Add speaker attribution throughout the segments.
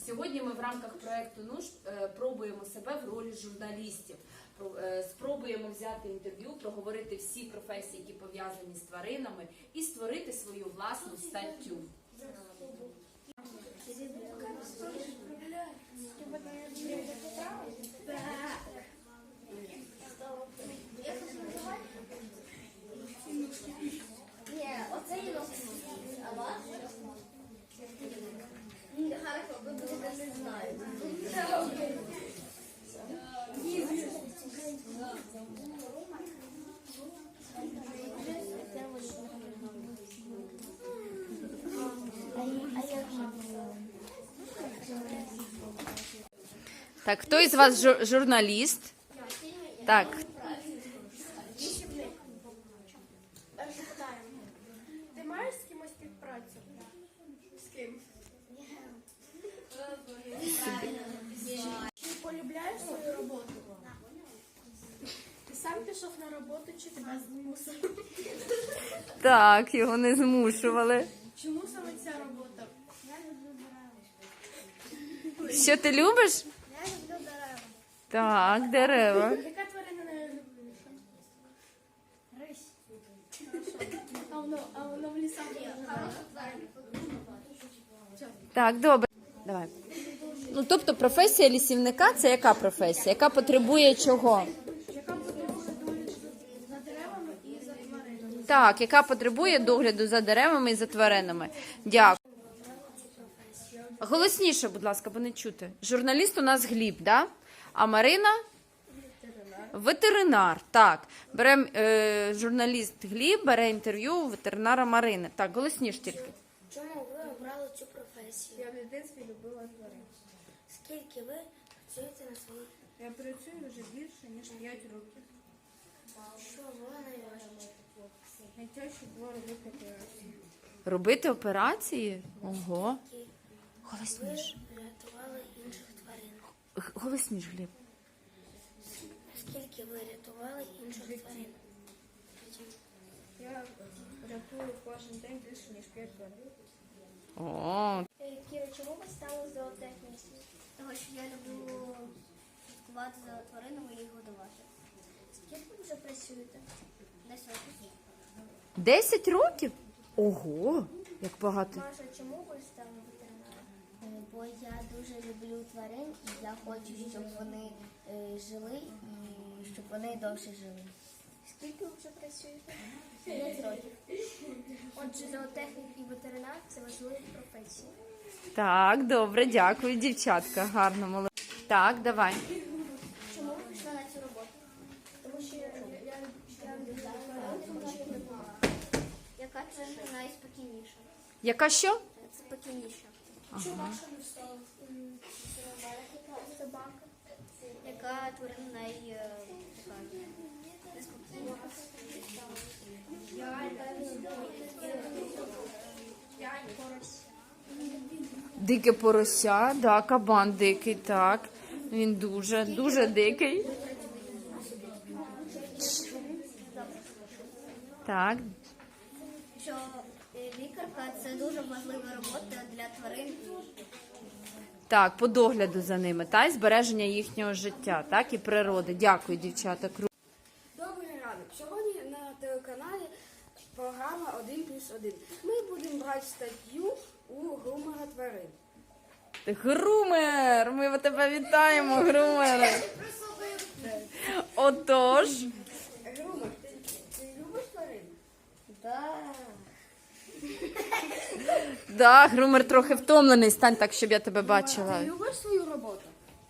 Speaker 1: Сьогодні ми в рамках проєкту «Нуж» пробуємо себе в ролі журналістів. Спробуємо взяти інтерв'ю, проговорити всі професії, які пов'язані з тваринами, і створити свою власну статтю.
Speaker 2: Оце і а вас? Хорошо, ви будете не знаю.
Speaker 1: Так, хто із вас журналіст? Так.
Speaker 3: Перше питаємо. Ти маєш з кимось співпрацю? З ким? Ти полюбляєш свою роботу? Ти сам пішов на роботу чи тебе змусили?
Speaker 1: Так, його не змушували.
Speaker 3: Чому саме ця робота?
Speaker 1: Що ти любиш?
Speaker 3: Я люблю дерева.
Speaker 1: Так, дерева.
Speaker 3: Яка тварина найулюбленіша? Рись. А воно в лісах є.
Speaker 1: Так, добре. Давай. Ну, тобто професія лісівника – це яка професія? Яка потребує чого?
Speaker 3: Яка потребує догляду за деревами і за тваринами?
Speaker 1: Так, яка потребує догляду за деревами і за тваринами. Дякую. Голосніше, будь ласка, бо не чути. Журналіст у нас Гліб, да? А Марина? Ветеринар. Так. Беремо журналіст Гліб, бере інтерв'ю у ветеринара Марини. Так, голосніше тільки.
Speaker 4: Чому ви обрали цю професію?
Speaker 3: Я в дитинстві любила тварин.
Speaker 4: Скільки ви працюєте на своїй?
Speaker 3: Я працюю вже більше, ніж 5 років.
Speaker 4: Що було найважче?
Speaker 3: Найтяжче було робити операцію.
Speaker 1: Робити операції? Ого.
Speaker 4: Ви
Speaker 1: Голосніше.
Speaker 4: рятували інших тварин.
Speaker 1: Голосніше, Гліб.
Speaker 4: Скільки ви рятували інших тварин?
Speaker 3: Я рятую кожен день більше, ніж 5 тварин.
Speaker 1: О,
Speaker 3: Кіра, чому ви стали зоотехністю?
Speaker 2: Тому що я люблю слідкувати за тваринами і їх годувати.
Speaker 3: Скільки ви вже працюєте?
Speaker 2: 10 років.
Speaker 1: 10 років? Ого, як багато.
Speaker 3: Маша, чому ви стали ветеринаром?
Speaker 2: Бо я дуже люблю тварин і я хочу, щоб вони жили і щоб вони довше жили.
Speaker 3: Скільки ви вже працюєте?
Speaker 2: 5 років.
Speaker 3: Отже, зоотехнік і ветеринар – це важливі професії.
Speaker 1: Так, добре, дякую, дівчатка. Гарно, молодець. Так, давай.
Speaker 2: Чому ви пішли на цю роботу?
Speaker 3: Тому що я люблю тварин.
Speaker 2: Яка тварина найспокійніша?
Speaker 1: Яка що?
Speaker 2: Спокійніша.
Speaker 3: Чому Маша не встала? Собака.
Speaker 2: Яка тварина неспокійніша?
Speaker 1: Дике порося, да, кабан дикий, так. Він дуже, дуже дикий. Так,
Speaker 2: Що лікарка – це дуже важлива робота для тварин.
Speaker 1: так, по догляду за ними, та, і збереження їхнього життя, так, і природи. Дякую, дівчата.
Speaker 5: Добрий ранок. Сьогодні на телеканалі програма «1+1». Ми будемо брати статтю у грумера тварин.
Speaker 1: Грумер! Ми тебе вітаємо, грумер! Отож.
Speaker 5: Грумер, ти любиш тварин?
Speaker 1: Да, грумер трохи втомлений. Стань так, щоб я тебе бачила.
Speaker 5: Ти любиш свою роботу?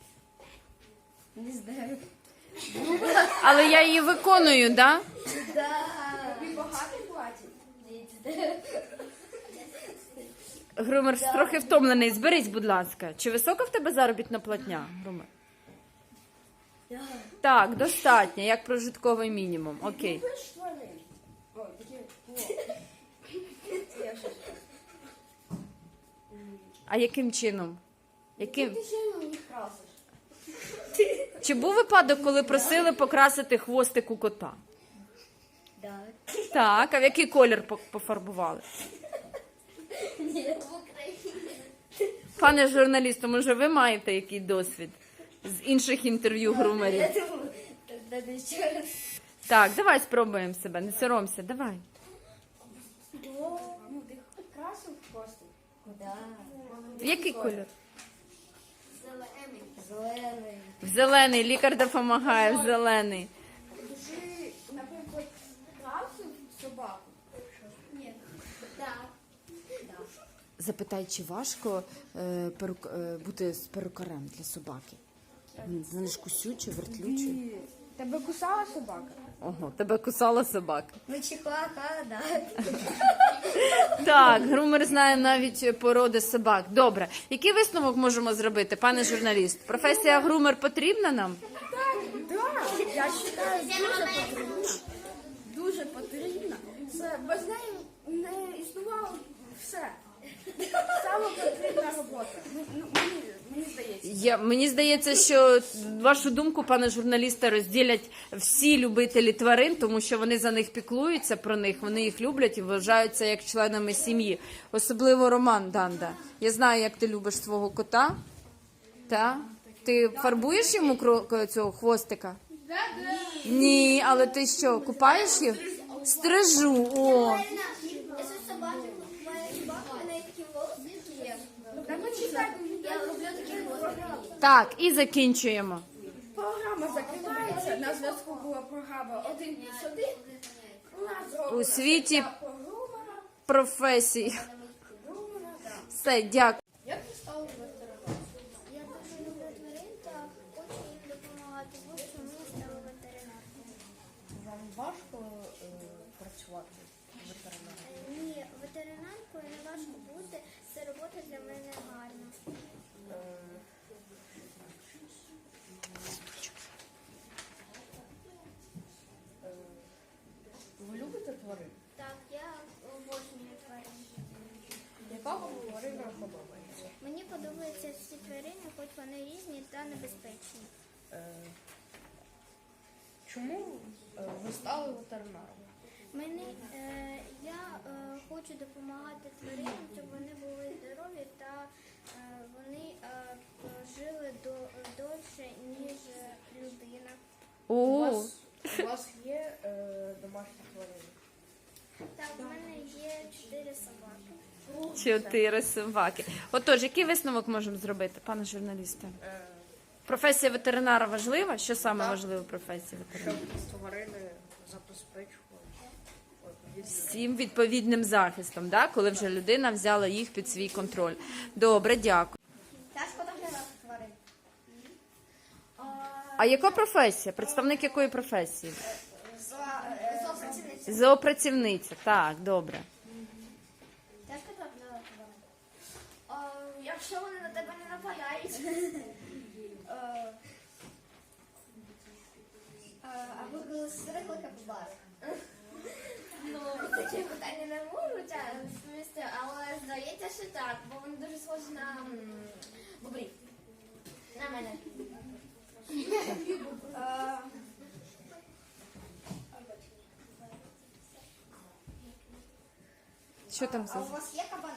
Speaker 2: Не знаю.
Speaker 1: Але я її виконую, да?
Speaker 5: Тобі багато платять?
Speaker 1: Грумер трохи втомлений. Зберись, будь ласка. Чи висока в тебе заробітна платня, грумер? Так, достатньо, як прожитковий мінімум. Окей.
Speaker 5: Любиш тварин? О, такі. Я щось.
Speaker 1: А яким чином? Яким?
Speaker 5: Ти сильно їх красиш.
Speaker 1: Чи був випадок, коли просили покрасити хвостик у кота?
Speaker 2: Так.
Speaker 1: Так, а в який колір пофарбували?
Speaker 2: Ні, в Україні.
Speaker 1: Пане журналісту, може ви маєте який досвід з інших інтерв'ю грумерів?
Speaker 2: Я думаю, тоді ще раз.
Speaker 1: Так, давай спробуємо себе, не соромся, давай.
Speaker 5: Ну, ти красив просто.
Speaker 2: Куда?
Speaker 1: Який кольор?
Speaker 2: Зелений.
Speaker 1: В зелений, лікар допомагає, в зелений.
Speaker 5: Ти, наприклад, красив собаку?
Speaker 2: Ні. Так.
Speaker 1: Запитай, чи важко бути з перукарем для собаки? Вони ж кусючі, вертлючі.
Speaker 5: Тебе кусала собака?
Speaker 1: Ого, тебе кусала собака.
Speaker 2: Ну, чихуаха, да.
Speaker 1: Так, грумер знає навіть породи собак. Добре. Який висновок можемо зробити, пане журналіст? Професія грумер потрібна нам?
Speaker 5: Так, я вважаю, дуже потрібна. Дуже потрібна. Це без неї не існувало все. Саме потрібна робота. Мені здається.
Speaker 1: Мені здається, що вашу думку, пане журналісте, розділять всі любителі тварин, тому що вони за них піклуються про них, вони їх люблять і вважаються як членами сім'ї. Особливо Роман Данда. Я знаю, як ти любиш свого кота. Та? Ти фарбуєш йому цього хвостика? Ні, але ти що, купаєш їх? Стрижу, о.
Speaker 2: Я щось собаки, моя собака, в неї такі волоси є. Я люблю такі волоси.
Speaker 1: Так, і закінчуємо.
Speaker 5: Програма закривається. На зв'язку була програма 1+1. У нас
Speaker 1: У світі
Speaker 5: про грумера.
Speaker 1: професій. Все, дякую.
Speaker 5: Як ти стала ветераном?
Speaker 2: Я дуже люблю тварин та хочу їм допомагати. Ось чому я стала ветеринаркою.
Speaker 3: Вам важко працювати ветеринаром?
Speaker 2: Ні, ветеринаркою не важко бути. Це робота для мене гарна.
Speaker 3: Ви любите тварин?
Speaker 2: Так, я обожнюю тварин.
Speaker 3: Яка вам тварина подобається?
Speaker 2: Мені подобаються всі тварини, хоч вони різні та небезпечні.
Speaker 3: Чому ви стали ветеринаром?
Speaker 2: Я хочу допомагати тваринам, щоб вони були здорові та вони жили довше, ніж людина.
Speaker 3: У
Speaker 1: О,
Speaker 3: вас є домашні тварини?
Speaker 2: Так, в мене є 4 собаки.
Speaker 1: 4 собаки. Отож, який висновок можемо зробити, пане журналісте? Професія ветеринара важлива? Що саме важливо в професії
Speaker 3: Щоб
Speaker 1: ветеринара?
Speaker 3: тварини забезпечували
Speaker 1: Всім відповідним захистом, да? Коли вже людина взяла їх під свій контроль. Добре, дякую.
Speaker 2: Тяжко доглядати тварин.
Speaker 1: А яка професія? Представник якої професії?
Speaker 2: Зоопрацівниця.
Speaker 1: Зоопрацівниця. Так, добре.
Speaker 2: Тяжко доглядати тварин. Якщо вони на тебе не нападають. А ви коли стригли капібар? Ну, такі питання не можуть відповісти, але здається, що так, бо вони дуже схожі на бобрів. На мене.
Speaker 1: Що там
Speaker 2: А у
Speaker 1: за...
Speaker 2: вас є кабани?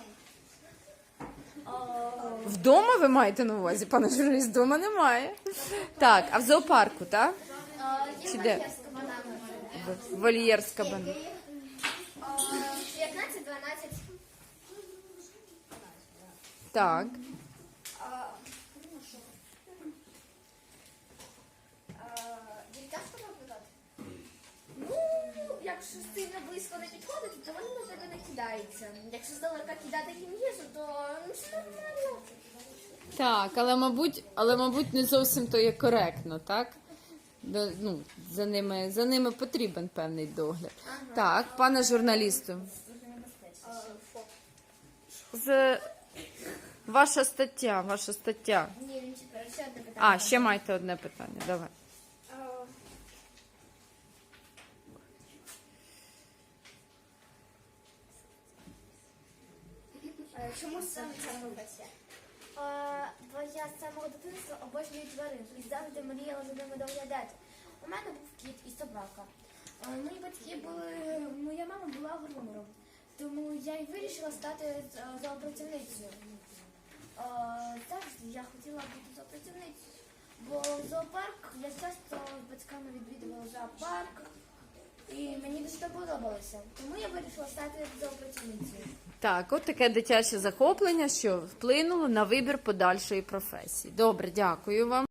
Speaker 1: Вдома ви маєте на увазі, пане журналіст? Вдома немає. Так, а в зоопарку, так?
Speaker 2: Є
Speaker 1: Чи де?
Speaker 2: вольєр з кабанами.
Speaker 1: Вольєр з кабаном.
Speaker 2: 15-12.
Speaker 1: Так.
Speaker 2: Їх тяжко наблюдати? Ну, якщо сильно близько не підходити, то вони на тебе не кидаються. Якщо здалека кидати їм їжу, то це нормально.
Speaker 1: Так, але мабуть, не зовсім то є коректно, так? Ну, за ними потрібен певний догляд. Так, пане журналісту. Ваша стаття.
Speaker 2: Ні, він ще одне питання.
Speaker 1: А, ще маєте одне питання, давай.
Speaker 2: Чому саме ця професія? Бо я з самого дитинства обожнюю тварин і завжди мріяла за ними доглядати. У мене був кіт і собака. Мої батьки моя мама була грумером, тому я й вирішила стати зоопрацівницею. зоопрацівницю. Бо в зоопарк я часто з батьками відвідувала зоопарк. І мені дуже подобалося. Тому я вирішила стати зоопрацівницею.
Speaker 1: Так, от таке дитяче захоплення, що вплинуло на вибір подальшої професії. Добре, дякую вам.